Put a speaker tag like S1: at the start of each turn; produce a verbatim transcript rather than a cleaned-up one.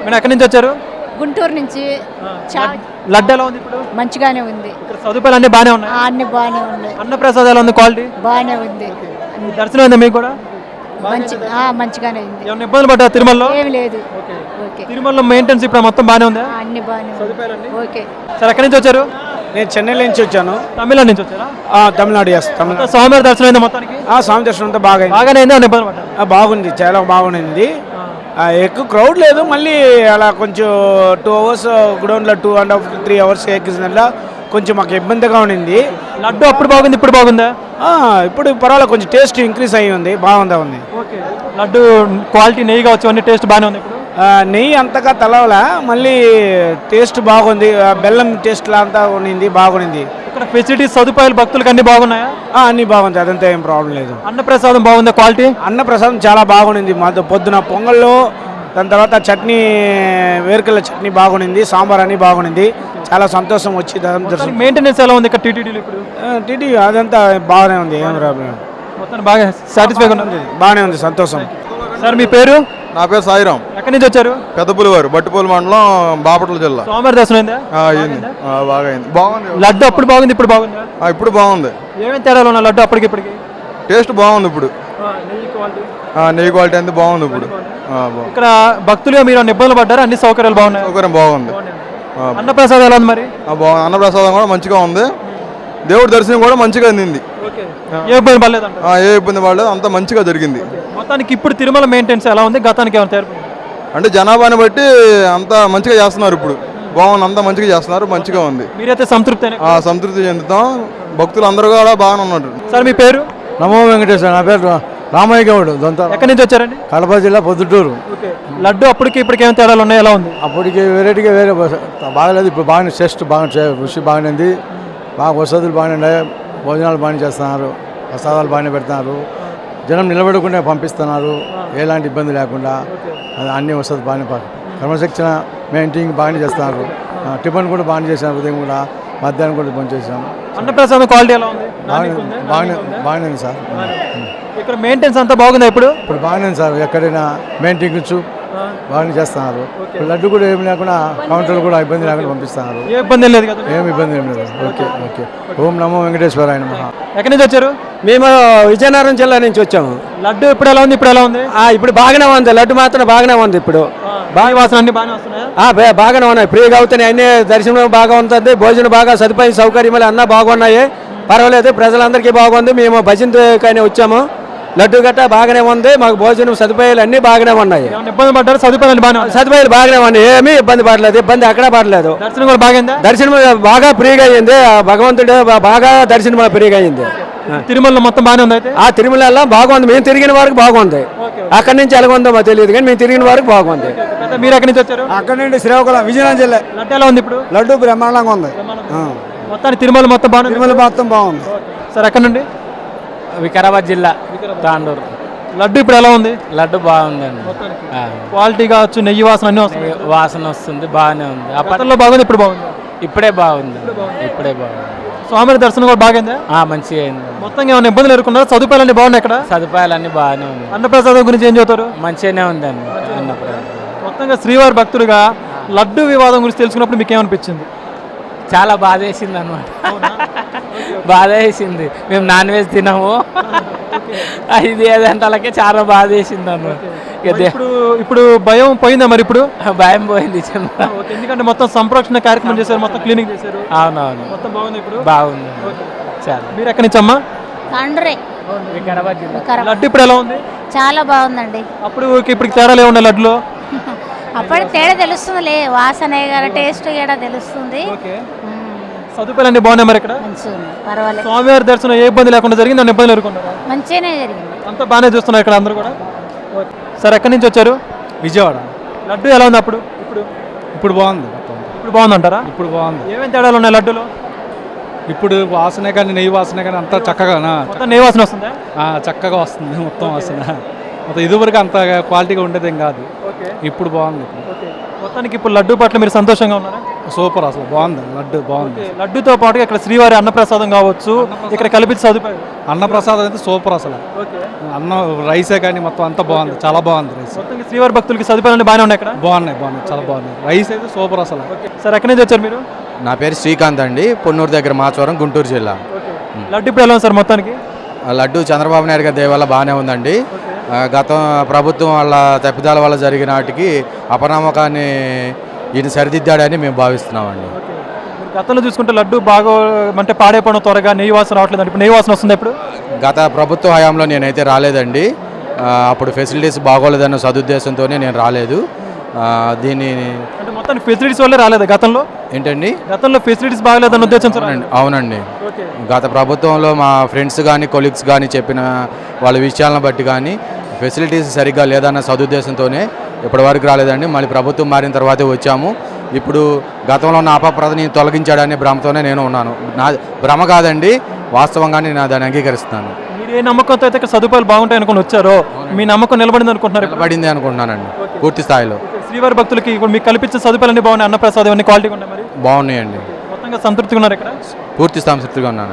S1: మీరు ఎక్కడి నుంచి వచ్చారు?
S2: గుంటూరు నుంచి.
S1: లడ్డు ఎలా ఉంది ఇప్పుడు?
S2: మంచిగానే ఉంది.
S1: ఇక్కడ సదుపాయాలు అన్ని బాగానే ఉన్నాయి.
S2: అన్ని బాగానే ఉన్నాయి.
S1: అన్న ప్రసాదం ఎలా ఉంది? క్వాలిటీ
S2: బాగానే ఉంది.
S1: దర్శనం అయిందా మీకు కూడా?
S2: మంచి మంచిగానే ఉంది.
S1: ఏమైనా ఇబ్బందులు పడ్డా తిరుమలలో?
S2: ఏమి లేదు.
S1: తిరుమలలో మెయింటెనెన్స్ ఇప్పుడు మొత్తం బాగానే ఉందా?
S2: అన్ని బాగానే. ఓకే
S1: సార్ ఎక్కడి నుంచి వచ్చారు?
S3: నేను చెన్నై నుంచి వచ్చాను.
S1: తమిళనాడు నుంచి వచ్చారా?
S3: తమిళనాడు చేస్తాను.
S1: స్వామివారి దర్శనం అయిందా మొత్తానికి?
S3: స్వామి దర్శనం అంతా బాగా
S1: బాగానే అయిందా? ఇబ్బంది పడ్డా?
S3: బాగుంది, చాలా బాగుంది. ఎక్కువ క్రౌడ్ లేదు. మళ్ళీ అలా కొంచెం టూ అవర్స్ గ్రౌండ్లో two and half three hours ఎక్కించిన కొంచెం మాకు ఇబ్బందిగా ఉండింది.
S1: లడ్డు అప్పుడు బాగుంది, ఇప్పుడు బాగుందా?
S3: ఇప్పుడు పర్వాలేదు, కొంచెం టేస్ట్ ఇంక్రీజ్ అయ్యి ఉంది, బాగుందా ఉంది.
S1: లడ్డు క్వాలిటీ నెయ్యి కావచ్చు, అన్ని టేస్ట్ బాగానే ఉంది. ఇప్పుడు
S3: నెయ్యి అంతగా తలవలా, మళ్ళీ టేస్ట్ బాగుంది. బెల్లం టేస్ట్ అంతా ఉండింది, బాగుంది.
S1: ఇక్కడ ఫెసిలిటీస్ సదుపాయాలు భక్తులకు అన్ని బాగున్నాయా?
S3: అన్ని బాగుంది, అదంతా ఏం ప్రాబ్లం లేదు.
S1: అన్నప్రసాదం బాగుందా? క్వాలిటీ
S3: అన్నప్రసాదం చాలా బాగుంది. మా పొద్దున పొంగల్లో, దాని తర్వాత చట్నీ, వేరుకల్ల చట్నీ బాగుంది, సాంబార్ అని బాగుంది. చాలా సంతోషం వచ్చి
S1: మెయింటెనెన్స్ ఎలా ఉంది ఇక్కడ టీటీడీలో? ఇప్పుడు
S3: టీటీ అదంతా బాగానే ఉంది, ఏం ప్రాబ్లం.
S1: మొత్తం బాగా సాటిస్ఫై ఉంది,
S3: బాగానే ఉంది, సంతోషం.
S1: సార్ మీ పేరు?
S4: నా పేరు సాయిరాం.
S1: ఎక్కడి నుంచి వచ్చారు?
S4: పెద్దపులివారు, బట్టిపూలి మండలం, బాపట్ల జిల్లా.
S1: స్వామివారి దర్శనం అయిందా?
S4: అయింది, బాగా అయింది. బాగుంది.
S1: లడ్డు అప్పుడు బాగుంది, ఇప్పుడు బాగుందా?
S4: ఇప్పుడు బాగుంది.
S1: ఏమేమి తేడాలు ఉన్నాయి లడ్డు అప్పటికి ఇప్పటికి?
S4: టేస్ట్ బాగుంది. ఇప్పుడు నెయ్యి క్వాలిటీ అంతా బాగుంది. ఇప్పుడు
S1: ఇక్కడ భక్తులుగా మీరు ఇబ్బందులు పడ్డారు? అన్ని సౌకర్యాలు బాగున్నాయి?
S4: సౌకర్యం బాగుంది.
S1: అన్నప్రసాదం ఎలా ఉంది మరి?
S4: బాగుంది. అన్నప్రసాదం కూడా మంచిగా ఉంది. దేవుడి దర్శనం కూడా మంచిగా అందింది.
S1: ఏ ఇబ్బంది పడలేదు?
S4: ఏ ఇబ్బంది పడలేదు, అంతా మంచిగా జరిగింది.
S1: మొత్తానికి ఇప్పుడు తిరుమల మెయింటెనెన్స్ ఎలా ఉంది? గతానికి ఏమైనా తేడా?
S4: అంటే జనాభాని బట్టి అంతా మంచిగా చేస్తున్నారు. ఇప్పుడు బాగుంది, అంతా మంచిగా చేస్తున్నారు, మంచిగా ఉంది.
S1: మీరైతే సంతృప్తి?
S4: సంతృప్తి చెందుతాం. భక్తులు అందరూ కూడా బాగానే ఉన్నారు.
S1: సార్ మీ పేరు?
S5: నమో వెంకటేశ్వర. నా పేరు రామయ్య గౌడ్.
S1: ఎక్కడి నుంచి వచ్చారండి?
S5: కడప జిల్లా, పొద్దుటూరు.
S1: లడ్డు అప్పటికి ఇప్పటికి ఏమైనా తేడాలు ఉన్నాయి? ఎలా ఉంది?
S5: అప్పటికి వెరైటీగా వేరే బాగలేదు, ఇప్పుడు బాగానే టేస్ట్ బాగా రుచి బాగానే ఉంది. బాగా వసతులు బాగానే ఉన్నాయి, భోజనాలు బాగానే చేస్తున్నారు, ప్రసాదాలు బాగానే పెడుతున్నారు, జనం నిలబెడకుండా పంపిస్తున్నారు, ఎలాంటి ఇబ్బంది లేకుండా. అన్ని వసతులు బాగానే, క్రమశిక్షణ మెయింటైన్ బాగానే చేస్తున్నారు. టిఫిన్ కూడా బాగానే చేశారు, ఉదయం కూడా, మధ్యాహ్నం కూడా బంద్ చేసాం.
S1: అన్నప్రసాదం క్వాలిటీ ఎలా ఉంది?
S5: బాగానే బాగానే ఉంది సార్.
S1: ఇక్కడ మెయింటెనెన్స్ అంతా బాగుందా? ఇప్పుడు
S5: ఇప్పుడు బాగానే ఉంది సార్. ఎక్కడైనా మెయింటెనెన్స్ బాగానే చేస్తున్నారు. లడ్డు కూడా ఏమి లేకుండా, కౌంటర్లు కూడా ఇబ్బంది లేకుండా పంపిస్తున్నారు.
S1: ఏ ఇబ్బంది లేదు కదా?
S5: ఏమి ఇబ్బంది ఏం లేదు. Okay okay. ఓం నమో వెంకటేశ్వర. ఆయన
S1: ఎక్కడి నుంచి వచ్చారు?
S3: మేము విజయనగరం జిల్లా నుంచి వచ్చాము.
S1: లడ్డు ఇప్పుడు ఎలా ఉంది? ఇప్పుడు ఎలా ఉంది?
S3: ఇప్పుడు బాగానే ఉంది. లడ్డు మాత్రం బాగానే ఉంది. ఇప్పుడు
S1: బాగా వాసన అన్ని బాగానే వస్తున్నాయి.
S3: బాగానే ఉన్నాయి, ఫ్రీగా అవుతున్నాయి. అన్ని దర్శనం బాగా ఉంటుంది, భోజనం బాగా, సదుపాయం సౌకర్యాలు అన్నీ బాగున్నాయి, పర్వాలేదు. ప్రజలందరికీ బాగుంది. మేము భజనకైనా వచ్చాము. లడ్డు గట్ట బాగానే ఉంది, మాకు భోజనం సదుపాయాలు అన్ని బాగానే ఉన్నాయి.
S1: ఇబ్బంది పడ్డారు? సదుపాయాలు బాగా
S3: సదుపాయాలు బాగానే ఉన్నాయి, ఏమీ ఇబ్బంది పడలేదు. ఇబ్బంది అక్కడ పడలేదు.
S1: దర్శనం కూడా బాగా
S3: దర్శనం బాగా ఫ్రీగా అయింది. భగవంతుడు బాగా దర్శనం ఫ్రీగా అయింది.
S1: తిరుమలలో మొత్తం బాగానే ఉంది.
S3: ఆ తిరుమల బాగుంది. మేము తిరిగిన వరకు బాగుంది. అక్కడి నుంచి ఎలాగొందో మాకు తెలియదు, కానీ మేము తిరిగిన వరకు బాగుంది.
S1: మీరు ఎక్కడి నుంచి వచ్చారు?
S5: అక్కడ నుండి శ్రీకాకుళం, విజయనగరం జిల్లా.
S1: లడ్డు ఎలా ఉంది ఇప్పుడు?
S5: లడ్డు బ్రహ్మాండంగా ఉంది.
S1: మొత్తానికి తిరుమల మొత్తం బాగుంది.
S5: తిరుమల మొత్తం బాగుంది.
S1: సార్ ఎక్కడ నుండి?
S6: వికారాబాద్ జిల్లా, తాండూరు.
S1: లడ్డు ఇప్పుడు ఎలా ఉంది?
S6: లడ్డు బాగుందండి.
S1: క్వాలిటీ కావచ్చు, నెయ్యి వాసన అన్ని వస్తుంది.
S6: వాసన వస్తుంది, బాగానే ఉంది.
S1: అప్పట్లో బాగుంది, ఇప్పుడు బాగుంది.
S6: ఇప్పుడే బాగుంది, ఇప్పుడే బాగుంది.
S1: స్వామి దర్శనం కూడా బాగుంది,
S6: మంచిగా అయింది.
S1: మొత్తం ఏమైనా ఇబ్బందులు ఎదుర్కొన్నారు? సదుపాయాలు అన్ని బాగున్నాయి ఇక్కడ?
S6: సదుపాయాలు అన్ని బాగానే ఉంది.
S1: అన్నప్రసాదం గురించి ఏం చెబుతారు?
S6: మంచిగానే ఉందండి అన్నప్రసాదం.
S1: మొత్తంగా శ్రీవారి భక్తుడిగా లడ్డు వివాదం గురించి తెలుసుకున్నప్పుడు మీకు ఏమనిపించింది?
S6: చాలా బాధ వేసింది అనమాట. బాధ వేసింది. మేము నాన్ వెజ్ తినము, ఇది ఏదంటే అలాగే చాలా బాధ వేసింది అనమాట.
S1: ఇప్పుడు ఇప్పుడు భయం పోయిందా మరి? ఇప్పుడు
S6: భయం పోయింది,
S1: ఎందుకంటే మొత్తం సంరక్షణ కార్యక్రమం చేశారు, మొత్తం క్లీనింగ్ చేశారు.
S6: అవునవును,
S1: మొత్తం బాగుంది. ఇప్పుడు
S6: బాగుంది. చాలా.
S1: మీరు ఎక్కడి నుంచి అమ్మా?
S6: వికారాబాద్ జిల్లా.
S1: లడ్డు ఇప్పుడు ఎలా ఉంది?
S2: చాలా బాగుందండి.
S1: అప్పుడు ఇప్పుడు తేడాలు ఏమున్నాయి లడ్డులో?
S2: అప్పుడు తేడా తెలుస్తుంది, వాసన టేస్ట్ కూడా తెలుస్తుంది.
S1: సదుపాయాలు అన్ని బాగున్నాయి మరి ఇక్కడ?
S2: పర్వాలేదు.
S1: స్వామివారి దర్శనం ఏ ఇబ్బంది లేకుండా జరిగింది? అన్ని ఇబ్బందులు ఎదుర్కొన్నారా?
S2: మంచిగానే జరిగింది.
S1: అంతా బాగానే చూస్తున్నారు ఇక్కడ అందరూ కూడా. సార్ ఎక్కడి నుంచి వచ్చారు?
S5: విజయవాడ.
S1: లడ్డు ఎలా ఉంది అప్పుడు? ఇప్పుడు
S5: ఇప్పుడు బాగుంది.
S1: ఇప్పుడు బాగుంది అంటారా?
S5: ఇప్పుడు బాగుంది.
S1: ఏమేమి తేడాలు ఉన్నాయి లడ్డులో?
S5: ఇప్పుడు వాసనే కానీ, నెయ్యి వాసనే కానీ అంతా చక్కగా
S1: నెయ్యి వాసన వస్తుందా?
S5: చక్కగా వస్తుంది మొత్తం వాసన. మొత్తం ఇదివరకు అంత క్వాలిటీగా ఉండేదేం కాదు, ఇప్పుడు బాగుంది.
S1: మొత్తానికి ఇప్పుడు లడ్డు పట్ల మీరు సంతోషంగా ఉన్నారా?
S7: సూపర్ అసలు బాగుంది లడ్డు బాగుంది
S1: లడ్డుతో పాటుగా ఇక్కడ శ్రీవారి అన్నప్రసాదం కావచ్చు, ఇక్కడ కల్పించే సదుపాయం.
S7: అన్నప్రసాదం అయితే సూపర్ అసలు. అన్నం రైసే కానీ మొత్తం అంతా బాగుంది, చాలా బాగుంది రైస్.
S1: మొత్తంగా శ్రీవారి భక్తులకి సదుపాయాలు బాగానే ఉన్నాయి ఇక్కడ.
S7: బాగున్నాయి బాగున్నాయి చాలా బాగున్నాయి. రైస్ అయితే సూపర్ అసలు.
S1: సార్ ఎక్కడి నుంచి వచ్చారు మీరు?
S8: నా పేరు శ్రీకాంత్ అండి, పొన్నూరు దగ్గర మాచవరం, గుంటూరు జిల్లా.
S1: లడ్డు ఇప్పుడు ఎలా ఉంది సార్ మొత్తానికి?
S8: ఆ లడ్డు చంద్రబాబు నాయుడు గారి దయ వల్ల బాగానే ఉందండి. ఆ, గత ప్రభుత్వం వాళ్ళ తప్పిదాల వల్ల జరిగిన వాటికి అపనమ్మకాన్ని ఈయన సరిదిద్దాడని మేము భావిస్తున్నామండి.
S1: మీరు గతంలో చూసుకుంటే లడ్డు బాగా అంటే పాడైపోవడం త్వరగా నెయ్యి వాసన రావట్లేదు, ఇప్పుడు నెయ్యి వాసన వస్తుంది ఇప్పుడు.
S8: గత ప్రభుత్వ హయాంలో నేనైతే రాలేదండి. ఆ, అప్పుడు ఫెసిలిటీస్ బాగోలేదన్న సదుద్దేశంతోనే నేను రాలేదు. ఆ, దీన్ని
S1: అంటే మొత్తం ఫెసిలిటీస్ వల్లే రాలేదు గతంలో.
S8: ఏంటండి?
S1: గతంలో ఫెసిలిటీస్ బాగలేదన్న ఉద్దేశం సార్.
S8: అవునండి అవునండి గత ప్రభుత్వంలో మా ఫ్రెండ్స్ కానీ కొలీగ్స్ కానీ చెప్పిన వాళ్ళ విషయాలను బట్టి కానీ ఫెసిలిటీస్ సరిగ్గా లేదన్న సదుద్దేశంతోనే ఇప్పటి వరకు రాలేదండి. మళ్ళీ ప్రభుత్వం మారిన తర్వాతే వచ్చాము. ఇప్పుడు గతంలో ఉన్న అపప్రదని తొలగించాడనే భ్రమతోనే నేను ఉన్నాను. నా భ్రమ కాదండి, వాస్తవంగానే నేను దాన్ని అంగీకరిస్తున్నాను.
S1: మీరు ఏ నమ్మకంతో అయితే ఇక్కడ సదుపాయాలు బాగుంటాయి అనుకుని వచ్చారో మీ నమ్మకం నిలబడింది అనుకుంటున్నారు?
S8: నిలబడింది అనుకుంటున్నానండి పూర్తి స్థాయిలో.
S1: శ్రీవారి భక్తులకి ఇప్పుడు మీకు కల్పించే సదుపాయాలు అన్ని బాగున్నాయి, అన్నప్రసాదం అన్ని క్వాలిటీగా ఉన్నాయి, మరి
S8: బాగున్నాయండి.
S1: మొత్తంగా సంతృప్తిగా ఉన్నారు ఇక్కడ?
S8: పూర్తి సంతృప్తిగా ఉన్నాను.